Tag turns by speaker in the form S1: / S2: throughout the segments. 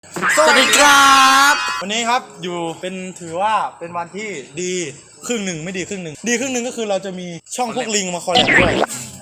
S1: สวัสดีครับ
S2: วันนี้ครับอยู่เป็นถือว่าเป็นวันที่ดีครึ่งหนึ่งไม่ดีครึ่งหนึ่งดีครึ่งหนึ่งก็คือเราจะมีช่องพวกลิงมาคอลแลบด้วย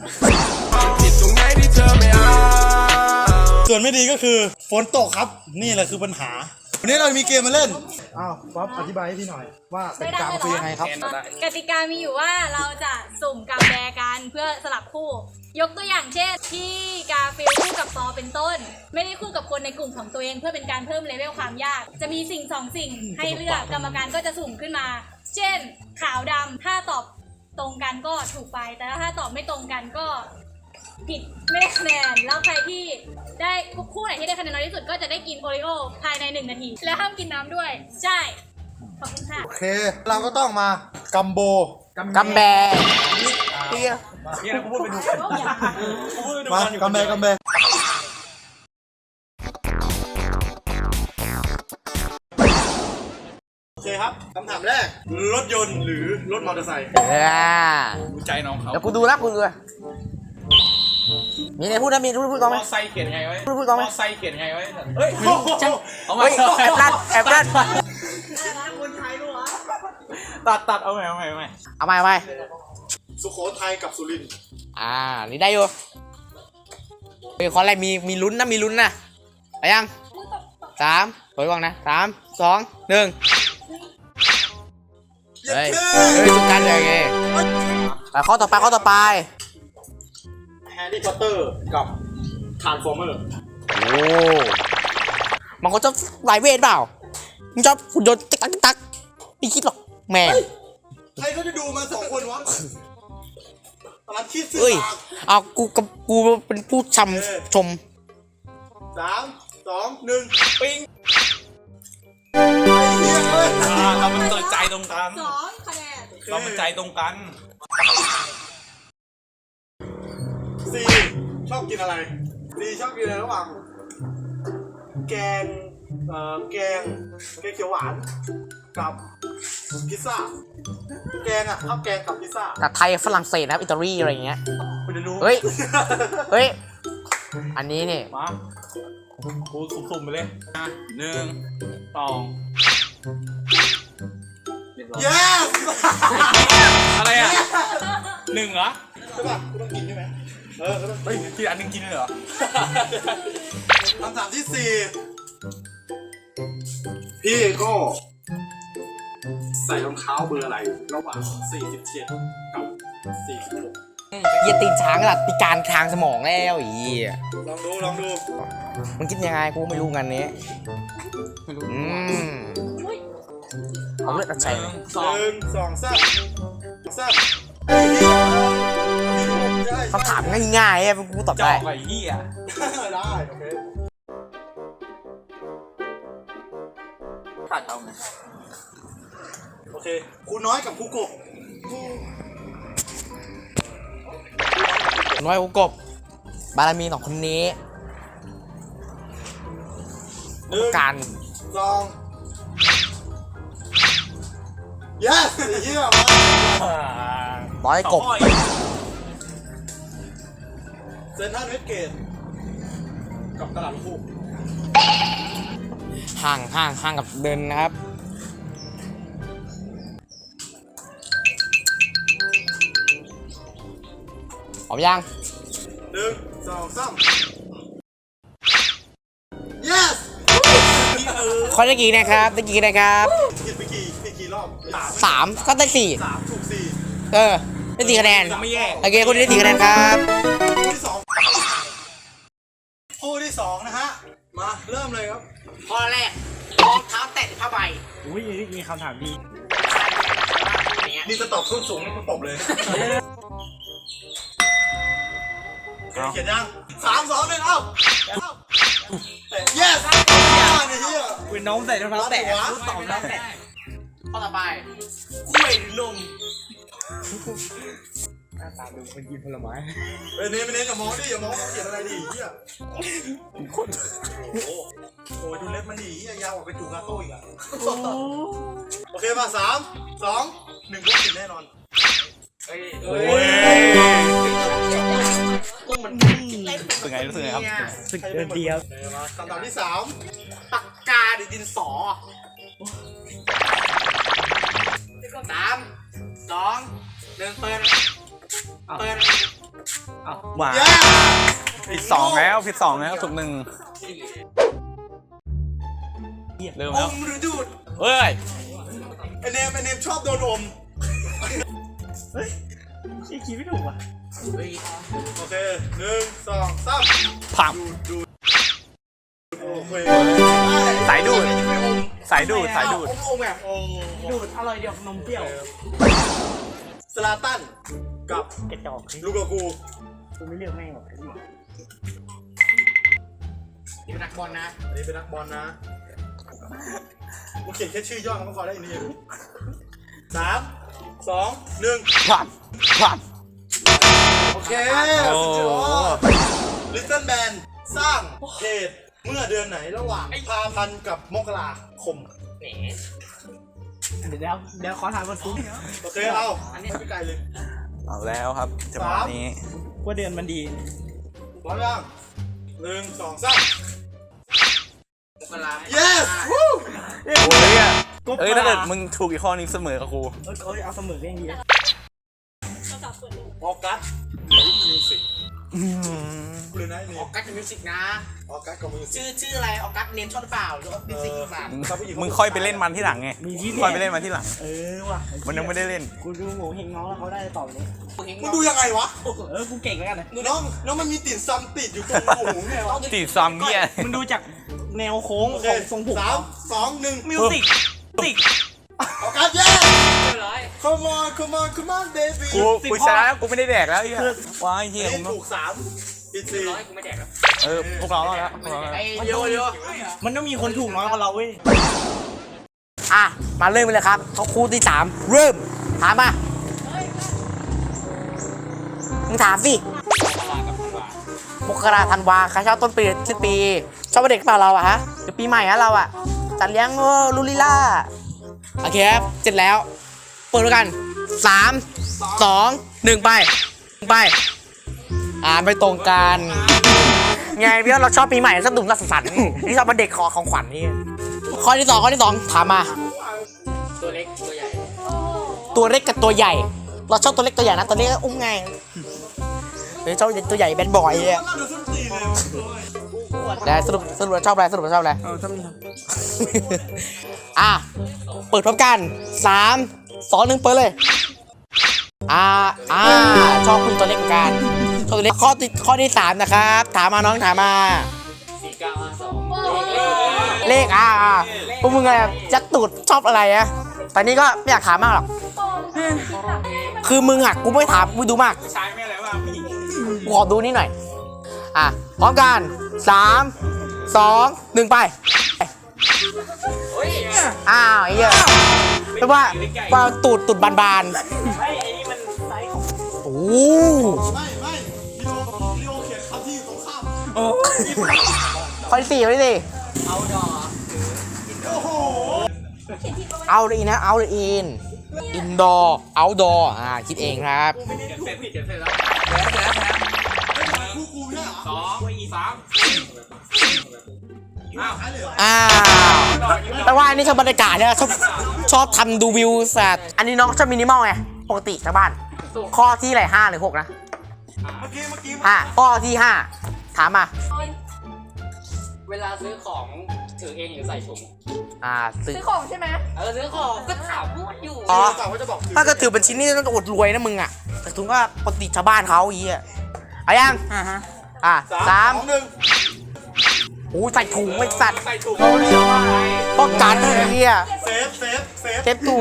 S2: ส่วนไม่ดีก็คือฝนตกครับนี่แหละคือปัญหาวันนี้เรามีเกมมาเล่นอ้าวป๊อปอธิบายให้พี่หน่อยว่ากติกาคือยังไงครับ
S1: กติกามีอยู่ว่าเราจะสุ่มกำแบกันเพื่อสลับคู่ ยกตัวอย่างเช่นที่กาฟิลคู่กับปอเป็นต้นไม่ได้คู่กับคนในกลุ่มของตัวเองเพื่อเป็นการเพิ่มเลเวลความยากจะมีสิ่ง2 สิ่งให้เลือกกรรมการก็จะสุ่มขึ้นมาเช่นขาวดำถ้าตอบตรงกันก็ถูกไปแต่ถ้าตอบไม่ตรงกันก็ผิดไม่ได้คะแนนแล้วใครที่ได้คู่ไหนที่ได้คะแนนน้อยที่สุดก็จะได้กินโอริโอภายใน1 นาทีและห้ามกินน้ำด้วยใช่ขอบคุณค่ะ
S2: โอเคเราก็ต้องมากัมโบ
S3: กัมแบ
S2: นี่กูพูดไปดูมากัมแบโอเคครับคำถามแรกรถยนต์หรือรถมอเตอร์ไซค์
S3: ดูใจน้องเขาเดี๋ยวกูดูนะมีอะไรพูดนะมีพูดต้องไหม
S4: ไซเขียนไงไว้
S3: พูดต้องไหม
S4: ไซเขียนไงไว้เฮ้ย
S3: เอามาแอบรัด
S4: ตัดเอาใหม่
S2: สุโขทัยกับสุรินทร์
S3: นี่ได้อยู่เป็นคนอะไรมีลุ้นนะไปยัง3ถอยก่อนนะ3 2 1เฮ้ยทุกการเลยไงไปข้อต่อไป
S2: แฮร์รี่พอตเตอร์กับทรานส์ฟอร์เมอร์
S3: โอ้มันก็จะหลายเวทเปล่ามึงชอบหุ่นยนต์ตักไม่คิดหรอกแม่
S2: ใครเขาจะดูมา2 คนวะตอนคิดสิ
S3: เอากูเป็นผู้ชม
S2: 3 2 1
S4: ปิ้งเราเป็นใจตรงกัน
S1: 2 คะแนน
S4: เราเป็นใจตรงกัน
S2: 4ชอบกินอะไร4ชอบกินอะไรระหว่างแกงเขียวหวานกับพิซซ่าแกงข้าวแกงกับพิซซ่า
S3: กับไทยฝรั่งเศสนะครับอิตาลีอะไรอย่างเงี้ย
S2: คุณจะรู้
S3: เฮ้ยอันนี้นี่
S4: มากูสุ่มไปเลย1 2
S2: yes
S4: อะไรอ่ะ1เหรอ
S2: ใช่ป่ะกูต้องกินใช่ไหมก็ต้อง
S4: กินอันนึงกินเลยเหรอ
S2: คำถามที่4พี่ก็ใส่รองเท้าเบอร์อะไรระหว่าง47กับ46
S3: เหี้ยตีนช้างหลัดพิการทางสมองแล้ว
S2: ลองดู
S3: มันคิดยังไงกูไม่รู้งานนี้เอาเลือดอัดใส่
S2: 1 2 3
S3: คำถามง่ายๆกูตอบได้
S4: ไอ้เหี้ย
S2: ได้โอเค
S4: ตัดเอาไหม
S2: โอเคครูน้อยกับครูกบ
S3: น้อยกูกบบารมี2 คนนี้การ
S2: 2 yes เยี่ยม
S3: ร้อยกบ
S2: เซนทรัลเวสเกตกับตลาดลูก
S3: ห่างกับเดินนะครับพร้อมยัง
S2: 1 2 3 yes
S3: ข้อได้กี่นะครับได้กี่นะครับ
S2: กินไปกี่รอบ
S3: 3ก็ได้4
S2: ถูก4
S3: ได้4 คะแนน
S4: ไม่แย่
S3: โอเคคนนี้ได้4 คะแนนครับ
S2: คู่ที่ 2นะฮะมาเริ่มเลยครับ
S3: ข้อแรกรองเท้าแตะผ้าใบ
S4: อุ้ยมีคำถามดี
S2: นี่จะตอบส้นสูงนี่กูตบเลยเขียนยัง3 2 1เอ้า yes เนี่ยเฮีย
S4: เป็นน้องใส่รองเท้าแตะ
S3: ตอบแล้วแตะข้อต่อไป
S4: กล้วยหรือนม
S3: หน้าตาดูมันกินผลไม้
S2: เน้นอย่ามองดิอย่ามองเขียนอะไรดิเฮียคนโอ้ยดูเล็บมันดิเฮียยาวกว่าไปจูกาโต้อีกอ่ะโอเคมา3 2 1ก็กินแน่นอน
S4: โอ้ยสึกไงครับ
S2: สึกเดียวมาคำถามที่
S3: ปากกาหรือดินสอ3 2 1เปิด
S4: หวาน
S2: 3
S4: ผิดสองแล้วถูก1เริ่ม
S2: อ
S4: แล้ว
S2: มหรือดูด
S4: เฮ้ย
S2: ไอเนมชอบโดนอม
S5: คิดไม่ถูกว่ะ
S2: โอเค1 2 3
S4: ผัก
S2: ดูดโอเค
S4: สายดูด
S2: ไม่อม
S4: สายดูดสายดูด
S2: อมแบบ
S5: ดูดอร่อยเดียวนมเปรี้ยว
S2: สลาตันกับ
S5: กระจอก
S2: ลูกากู
S5: กูไม่เลือกแม่งหรอก
S3: นี่เป็นนักบอลนะ
S2: อันนี้เป็นนักบอลนะมึงเขียนแค่ชื่อย่อมันก็พอได้อีกนี่3 2 1
S4: ผักผัก
S2: โอเค
S4: โอ้
S2: สุดยอด Little Man สร้างเพจเมื่อเดือนไหนระหว่างพาพันธ์กับมกราคม
S5: เดี๋ยวขอถามวันฟุ้ง
S2: โอเคเอาอันนี้ไม่ไกลเลย
S4: เอาแล้วครับจังหวะนี้
S5: ว่าเดือนมันดี
S2: พร้อมยัง1 2 3
S3: มกรา
S2: yes วู้
S4: โอ้ยอะเอ้ยถ้าเกิดมึงถูกอีกข้อนึงเสมอกับกู
S5: เอาเสมอก็ยังดี
S2: ออกัสมิวสิกเลยนะนี่
S3: ออกัสมิวสิกนะ
S2: ออกัสกับมิวสิก
S3: ชื่ออะไรออกัสเนมชอบหรือเปล่าหรือว่ามิวสิกหรือเปล่า
S4: มึงค่อยไปเล่นมันที่หลังไง
S5: มีที่
S4: ค่อยไปเล่นมันที่หลัง
S5: ว่ะ
S4: มันยังไม่ได้เล่น
S5: กูดูหมูเฮงน้องแล้วเขาได้ตอบนี้
S2: มึงดูยังไงวะ
S5: กูเก่งแล้วกันนะ
S2: น้องมันมีติ่นซัมติดอยู่ตรงหูไงวะ
S4: ตีซัมเนี่ย
S5: มึงดูจากแนวโค้ง
S2: โอ
S5: ข
S2: เค
S5: องทรงผม
S2: 3 2 1
S5: มิวสิก
S2: ออกัส yes
S3: เรียบร้อย
S2: come on baby
S4: กูชนะแล้วกูไม่ได้แดกแล้วไอ้เหี้ยว้ายเฮีย
S2: อัน
S4: ผ
S2: นี้
S4: ม
S2: ถูก3ผิด
S3: ร้อยกูไม่แดกแล้ว
S4: พวกเราแล้วพวกเราแล้ว
S3: ไอ้เดี๋ยว
S5: มันต้องมีคนถูกน้อยกว่าเราเว้ย
S3: อ่ะมาเริ่มไปเลยครับเขาคู่ที่3เริ่มถามมามึงถามสิมกราธันวาใครชอบต้นปีสิ้นปีชอบวันเด็กเปล่าเราอะฮะเดี๋ยวปีใหม่ฮะเราอะจัดเลี้ยงลูลิล่าโอเคครับเสร็จแล้วเปิดด้วยกัน3 2 1ไปไม่ตรงกันไงพี่ว่าเราชอบปีใหม่สนุกสสันต์นี่ชอบวันเด็กขอของขวัญนี่ข้อที่สองถามมาตัวเล็กตัวใหญ่
S1: ตัวเล็กกับตัวใหญ่ เราชอบตัวเล็กตัวใหญ่นะตัวเล็กก็อุ้มไงเฮ้ยชอบตัวใหญ่แบดบอยเนี่ย
S2: เราดูส้นตีนเลย
S3: แต่สรุปชอบอะไรอ่ะเปิดพร้อมกัน3 2 1เปิดเลยชอบคุณตัวเล็กเหมือนกันชอบตัวเล็กข้อที่3นะครับถามมาน้องถามมาเลขพวกมึงอะไรยัดตูดชอบอะไรอะแต่นี่ก็ไม่อยากถามมากหรอกคือมึงอะกูไม่ถามกูดูมาก
S4: ใช้ไม่อะไรว่าพี่
S3: กูขอดูนี่หน่อยพร้อมกัน3 2 1ไปไอ้เหี้ยแปลว่าตูดบาน
S5: ไอ้นี่มันไซส์ของ
S3: ๆโอ้
S2: ไม่ลีโอเขียนคำที่อยู่ตรงข้าม
S3: ข้อที่4
S2: โอ้โห
S3: เอาเลยนะเอาเลยอินดอร์เอาดอร์คิดเองครับ
S4: เก็บเสร็จแล้ว
S2: กูเนี่ยเหรอ
S3: แปลว่าอันนี้ชอบบรรยากาศเนี่ยชอบทำดูวิวสัตว์อันนี้น้องชอบมินิมอลไงปกติชาวบ้านข้อที่ไหน5 หรือ 6นะ
S2: เมื่อกี้
S3: ข้อที่5ถามมา
S6: เวลาซื้อของถือเองหรือใส่ถุง
S3: ซื้อ
S1: ของใช่ไหม
S6: ซื้อของก็ถามพูดอยู่
S3: อ๋อ
S2: กะว่าจะบอก
S3: ถ้าก็ถือเป็นชิ้นนี่ต้องอดรวยนะมึงอ่ะแต่ถุงก็ปกติชาวบ้านเขาอีอ่ะเอายัง3
S2: 2 1
S3: โอ้ยใส่ถุงไม่สัตว์
S4: ใส่ถุง
S3: ป้องกันไอ้เหี้ย
S2: เซฟ
S3: เซฟถุง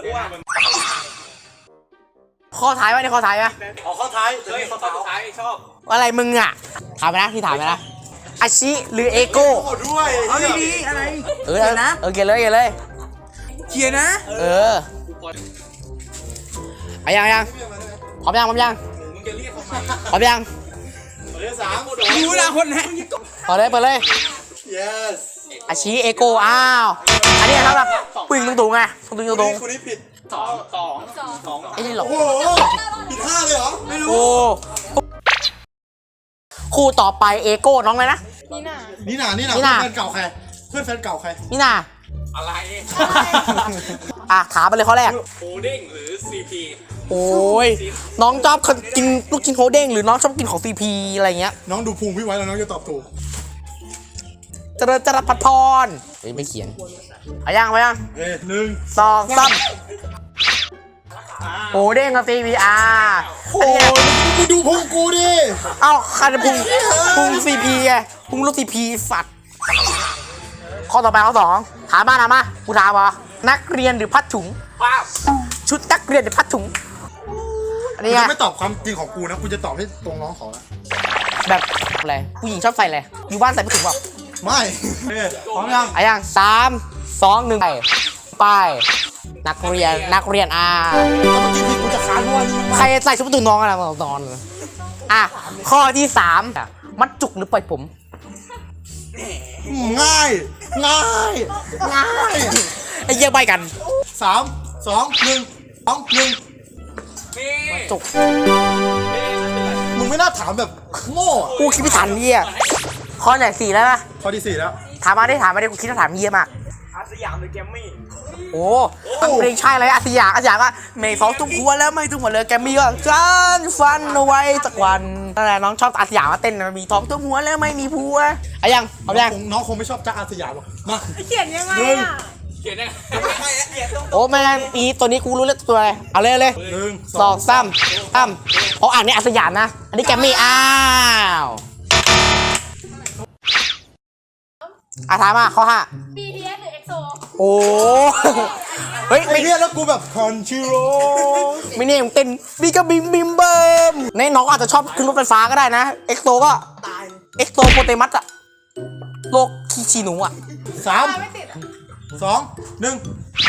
S3: ข้อท้ายไว้ในข้อท้ายไหม
S2: ออกข้อท้าย
S4: เฮ้ยข้อสุดท้ายชอบ
S3: อะไรมึงอ่ะถามไปนะที่ถามไปนะอาชิหรือเอโก้
S2: โอ้ด้วย
S5: เอาดีๆอะไร
S3: เออเกลียดเลย
S5: เขียนนะ
S3: เอายังพร้อมยัง
S4: มึงจะเรียกเขามา
S3: พร้อมยัง
S2: เรื่อง3
S5: ดูนะคนนะ
S3: เปิดเลย
S2: yes
S3: อาชิเอโก้อันนี้สำหรับผู้หญิงตุงๆไงตุง
S2: คุณนี้ผิด
S3: ไอ้นี่หรอ
S2: โอ้โหผิด5เลยเหรอไม่รู้
S3: โอ้คู่ต่อไปเอโก้น้องเลยนะ
S1: นี่น่ะ
S2: นี่น่ะ
S3: นี่
S2: เพื่
S3: น่ะ
S2: อนแฟนเก่าใครเพื่อนแฟนเก่าใคร
S3: นี่น่ะ
S6: อะไร
S3: ถามไปเลยข้อแรก
S6: โฮเด้งหรือ CP
S3: โอ้ยน้องชอบกินลูกชิ้นโฮเด้งหรือน้องชอบกินของซีพีอะไรเงี้ย
S2: น้องดูพุงพี่ไว้แล้วน้องจะตอบถูก
S3: เจริญจรัสพัดพรเฮ้ยไม่เขียนเอายังไปยัง
S2: หนึ่ง
S3: สองสามโฮเด้งกับซีพี
S2: โอ้ยมึงดูพุงกูดิ
S3: เอ้าใครจะพุงซีพีไงพุงลูกซีพีสัตว์ข้อต่อไปข้อสองถามมากูถามว่านักเรียนหรือพัดถุง
S6: ป้าบ
S3: ชุดนักเรียนหรือพัดถุงอัน
S2: กู
S3: นี้ไง
S2: จะไม่ตอบความจริงของกูนะกูจะตอบให้ตรงน้องเขาละ
S3: แบบอะไรผู้หญิงชอบใส่อะไรอยู่บ้านใส่พัดถุงเปล่า
S2: ไม่พร้อมยัง
S3: อะยัง3 2 1ไปนักเรียน
S2: ถ้าเมื่อกี้ผิดกูจะค้านด้วย
S3: ใครใส่ชุดประตูน้องอะไรมานอนข้อที่3มัดจุกหรือปล่อยผม
S2: ง่าย
S3: ไอ้เยี่ยใบกัน
S2: 3 2 1 2 1
S6: นี่
S3: จุก
S2: มึงไม่น่าถามแบบโง่อะ
S3: กูคิดไม่ทันเยี่ยข้อไหน4แล้วปะ
S2: ข้อที่ 4 แล้ว
S3: ถามมาได้กูคิดว่าถามเยี่ยมาก
S5: อาสยามหรือแกมมี่
S3: โอ้เพลงใช่เลยอาสยามก็ไม่ท้องตุ้มหัวแล้วไม่ตุ้มหัวเลยแกมีก็ฉันฟันเอาไว้สักวันนั่นแหละน้องชอบอาสยามมาเต้นมีท้องตุ้มหัวแล้วไม่มีผัวอะยังเอายัง
S2: น้องคงไม่ชอบจ๊ะอาสยามหรอกมา
S1: เขียนยังไง
S2: หนึ่ง
S1: อ่ะ
S6: เขียนยังไง
S3: โอ้ไม่งั้นปีตัวนี้กูรู้แล้วตัวอะไรเอาเลย
S2: หนึ่ง
S3: สองสามเพราะอ่านนี่อาสยามนะอันนี้แกมมี่อ้าวถามมาข้อ5
S1: BTS หรือ EXO
S3: โอ้เฮ้ย
S2: ไอ้เหี้ยแล้วกูแบบคอนชิโร่
S3: ไม่เนี่ยมึงเต้นบีก็บิมบิมเบิมในน้องอาจจะชอบขึ้นรถไฟฟ้าก็ได้นะเอ็กโซก็เอ็กโซโปเตมัสอะโลกคีชีหนูอะ
S2: 3
S1: ไม่ติดอ่ะ
S2: 2 1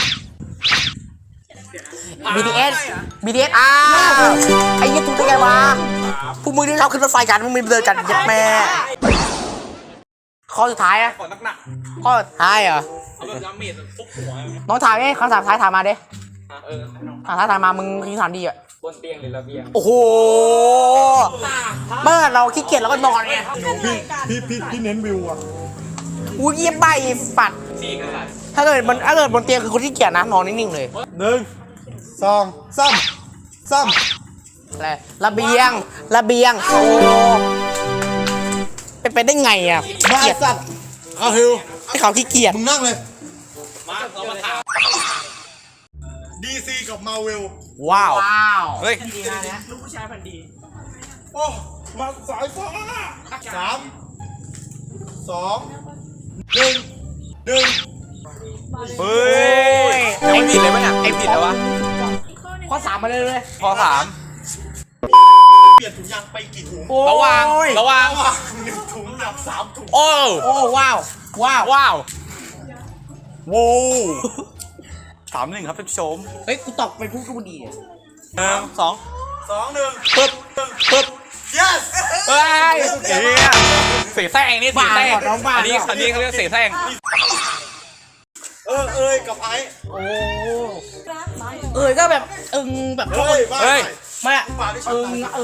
S3: BTS BTS ไอ้ยี่ตุ๊กได้ไงวะพวกมึงที่ชอบขึ้นรถไฟกันมึงไม่เดินกันยัดแม่ข้อสุดท้ายอะ
S6: ขอหนัก
S3: ข้อสุดท้ายเหรอ
S6: ๆเอาแบบดาเมจฟุบหัว
S3: น้องถามไงคำถามท้ายถามมาดิ
S6: เออ
S3: ท้ายถามมามึงคิดถามดีอะ
S6: บนเตียงหรือระเบียง
S3: โอ้โหเมื่อเราขี้เกียจเราก็นอนไง
S2: พี่เน้นวิวอ่ะ
S3: กูเยี่ยมใบปัด
S6: สี่กษัตริย์
S3: ถ้าเกิดบนเตียงคือคนที่เกียจนะนอนนิ่งๆเลย
S2: 1 2 3
S3: อะไรระเบียงโอ้เป็นไปได้ไงอ่ะ
S2: มา
S3: เกียจ
S2: สัตว์เอาฮิว
S3: ให้เขาขี้เกียจ
S2: มึงนั่งเลย
S6: มาเรามาถาม
S2: DC กับมาเวล
S4: ว้าว
S5: เฮ้ยลูกผู้ชายพันดี
S2: โอ้มาสายฟ้า3 2 1
S4: เฮ้ยยังไม่ผิดเลยปะเนี่ยไอ้ผิดแล้ววะ
S3: ข้อ3มาเลย
S4: ข้อ
S2: เปลี่ยนถุงยางไปกี่ถุง
S3: โอ้
S4: 3ระวัง
S2: ระหว่าง1 ถุงกับ3 ถุง
S4: โอ้
S3: โอ้ว้าว
S4: ว้าวว้าว3-1ครับท่านผู้ชม
S3: เฮ้ยกูตอบไปพูดก็ดี
S4: 1 2
S2: 2 1
S4: ปึ๊บปึ๊บ
S2: yes
S4: เฮ้ยเสียแซงนี่เสียแซงอันนี้เขาเรียกเสียแซง
S2: เอ้ยกับไอ้
S3: โอ้ก็แบบแบบ
S2: เฮ้ย
S4: เฮ้ย
S3: ไม่อะอย่าอย่า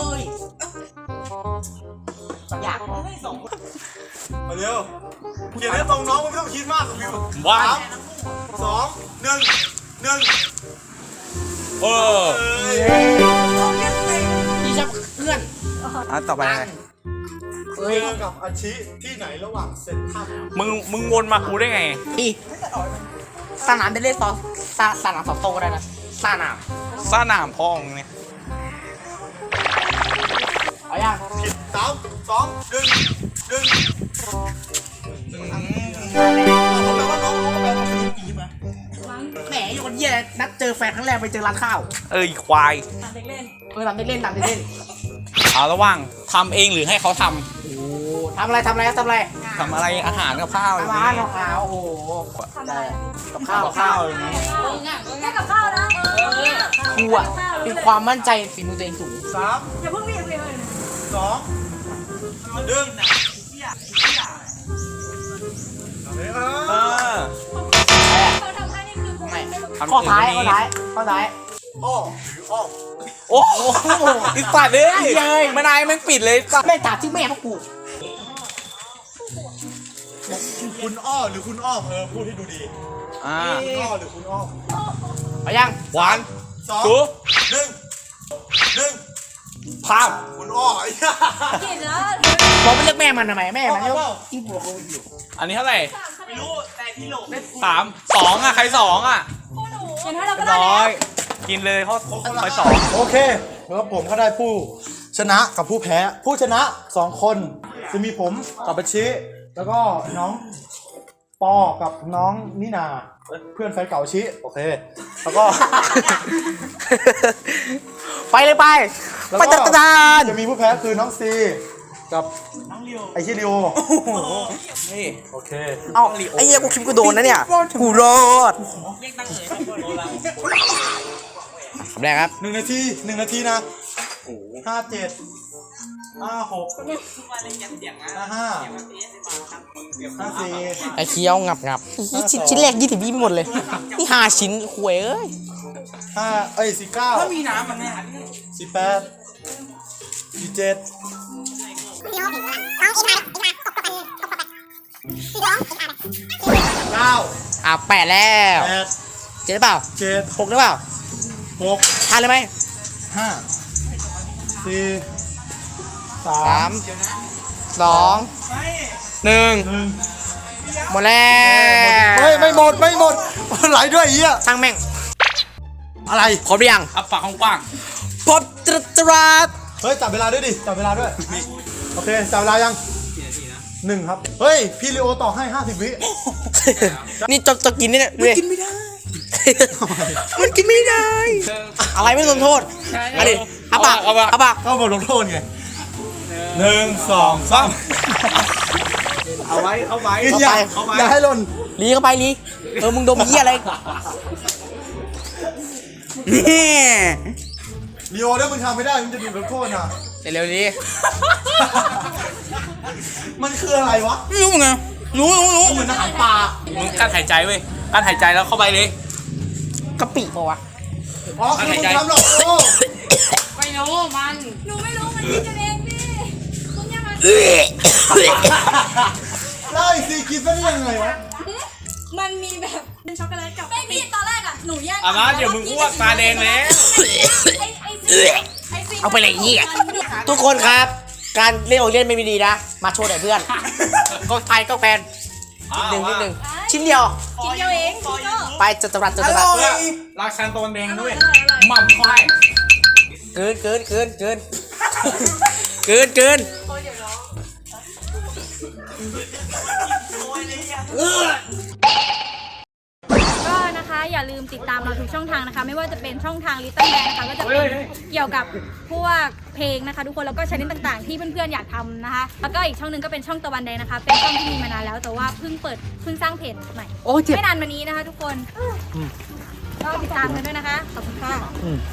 S3: อยาก
S2: มาเร็วเขียนให้ตรงน้องมึงไม่ต้องคิดมากกับวิว
S4: ว้าว
S2: 3 2 1
S4: เออ
S3: พี่ชอบเพื่อน
S4: ต่อไป
S2: เจอกับอาชิที่ไหนระหว่างเซนทรัล
S4: มึงวนมากูได้ไง
S3: พี่สนามได้เล่นต่อสนามสองโตก็ได้นะสนาม
S4: ซ่าหนามพองเนี่ย
S3: เอายัง
S2: ผิด3 2 1 1แปลว่าน้องแปลว่าคนจีมา
S3: แหมอยู่คนเยี่ยนัดเจอแฟนครั้งแรกไปเจอร้านข้าว
S4: อีควาย
S1: ถามเด็กเล่น
S3: ตามได้เล่น
S4: เอาระหว่างทำเองหรือให้เขาท
S3: โอ้ทำอะไร
S4: ำทำอะไรอาหารกับข้าวอย่าง
S3: ร้าน
S4: นี้
S3: ข้าวโอ้โห
S1: ทำอะไร
S3: กับข้าวอย่างนี้
S1: แค่กับข้าวนะ
S3: ครูอ่ะมีความมั่นใจฝีมือตัวเองสูง
S2: 3
S1: อย่าเพิ่งมีเลย
S2: 2 1
S4: เออ
S1: เขาทำให้นี่คือพวก
S3: ไม่
S1: ไม่รู้
S4: ทำ
S3: ข้อท้าย
S4: อื่น
S3: ข้อท้าย
S2: อ้อหรืออ้อม
S4: โอ้โหอีสัตว์เลยมานายแม่งปิดเลยสัตว์
S3: แม่ถามชื่อแม่พวกกู
S2: คุณอ้อหรือคุณอ้อมพูดให้ดูดี คุณอ้อหรือคุณอ้อม
S3: เอายัง
S4: หวาน
S2: สอง
S4: สู
S2: หนึ่ง
S4: ภาพ
S2: คุณอ้อไอ้เหี้ย
S1: กินแล้ว
S3: บอกไปเรียกแม่มันทำไมแม่มันก็กินผัวกูอยู่
S4: อันนี้เท่าไหร่
S5: ไม่รู้แต่ที่โหลได้
S4: 2อ่ะใคร2อ่ะ
S1: คู่หนูอย่างน้อยเราก็ได้
S4: น้
S1: แล้
S4: อ
S1: วย
S4: กินเลยเขาคอย
S2: โอเคแล้วผมก็ได้ผู้ชนะกับผู้แพ้ ผู้ชนะ2คนจะมีผมกับบัชชิแล้วก็น้องปอกับน้องนินาเพื่อนแฟนเก่าชิโอเค แล้วก็
S3: ไปเลยไป
S2: แล้ว
S3: ไป
S2: ก็
S3: จัดการ
S2: จะมีผู้แพ้คือน้องซีกับไอชิริโอ
S4: นี่
S2: โอเค
S3: เอาไอ้เหี้ยกูคิดกูโดนนะเนี่ยกูรอดคำแรกครับ
S2: 1 นาที 1 นาทีนะ57 56 55 54
S3: ไอ้เคี้ยวงับนี่ชิ้นแรก20วิไม่หมดเลยนี่5ชิ้นหวยเอ้ย
S2: 49
S5: ถ้ามีน้ำมันไม่หัน
S2: 48 47 9
S3: อ่ะ8แล้ว7หรือเปล่า
S2: 7
S3: 6หรือเปล่า
S2: 6
S3: ทันเลยไหม
S2: 5 4
S3: 3
S2: 3
S3: 2 1หมดแล้ว
S2: ไม่หมดไหลด้วยไอ้เหี้ย
S3: ช่างแม่ง
S2: อะไร
S3: ครบหรือยัง
S4: อับปากกว้าง
S3: พบตรัส
S2: เฮ้ยจับเวลาด้วยดิจับเวลาด้วยโอเคจับเวลายัง1ครับเฮ้ยพี่ลีโอต่อให้50 วิ
S3: นี่จะกินนี่เนี่ยมันกินไม่ได้ มันกินไม่ได้ อะไรไม่สนโทษมาดิอาปากอาปาก
S2: ก็บทลงโทษไง1 2 3
S4: เอาไว้เอาไว้
S2: อย่าให้หล่น
S3: ลีเข้าไปลีมึงดมเหี้ยอะไรนี่
S2: ลีโอถ้ามึงทำไม่ได้มึงจะโดนลงโทษนะ
S3: เร็วๆลี
S2: มันคืออะไรวะ
S3: ไม่รู้ไงรู้
S2: เหมือนอาหารป่า
S4: มึงกั้นหายใจเว้ยกั้นหายใจแล้วเข้าไปเลย
S3: กะปิปะวะ
S2: อ๋อคือมึงทำหรอกโอ้
S1: ไม่รู้มัน หนูไม่รู้มันคิดกันเองพี่คุณยังไง
S2: แล้วไอ้ซีกินเป็นยังไงวะ
S1: มันมีแบบเป็นช็อกโกแลตกับไม่พี่ตอนแรกอ่ะหนูแยก
S4: อ่ะมาเดี๋ยวมึงอ้วกตาแดงแล้ว
S3: เอาไปเลยเหี้ยทุกคนครับ การเล่นโอเล่นไม่มีดีนะ มาโชว์หน่อยเพื่อน ก็ไทยก็แฟนนิดนึงชิ้นเดียว
S1: กินเดียวเองพี่ก็
S3: ไปจัดตรัส
S4: เพื่อราชันตัวแดงด้วยหม่ำควาย
S3: เกิน
S1: ก็นะคะอย่าลืมติดตามเราทุกช่องทางนะคะ ไม่ว่าจะเป็นช่องทาง Little Band นะคะก็จะเป็นเกี่ยวกับพวกเพลงนะคะ ทุกคนแล้วก็ชนิดต่างๆ ที่เพื่อนๆอยากทำนะคะ แล้วก็อีกช่องหนึงก็เป็นช่องตะวันแดงนะคะ เป็นช่องที่มีมานานแล้วแต่ว่าเพิ่งสร้างเพจใหม่
S3: โอ้เจ็บ
S1: ไม่นานมานี้นะคะ ทุกคนก็ติดตามกันด้วยนะคะขอบคุณค่ะ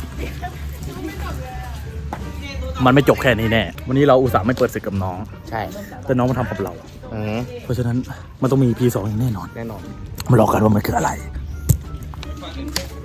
S7: มันไม่จบแค่นี้แน่ วันนี้เราอุตส่าห์ไม่เปิดศึกกับน้อง
S3: ใช่
S7: แต่น้องมาทำกับเรา
S3: อืม
S7: เพราะฉะนั้นมันต้องมี P2 อย่างแน่นอน
S3: แน่นอน
S7: มารอกันว่ามันคืออะไร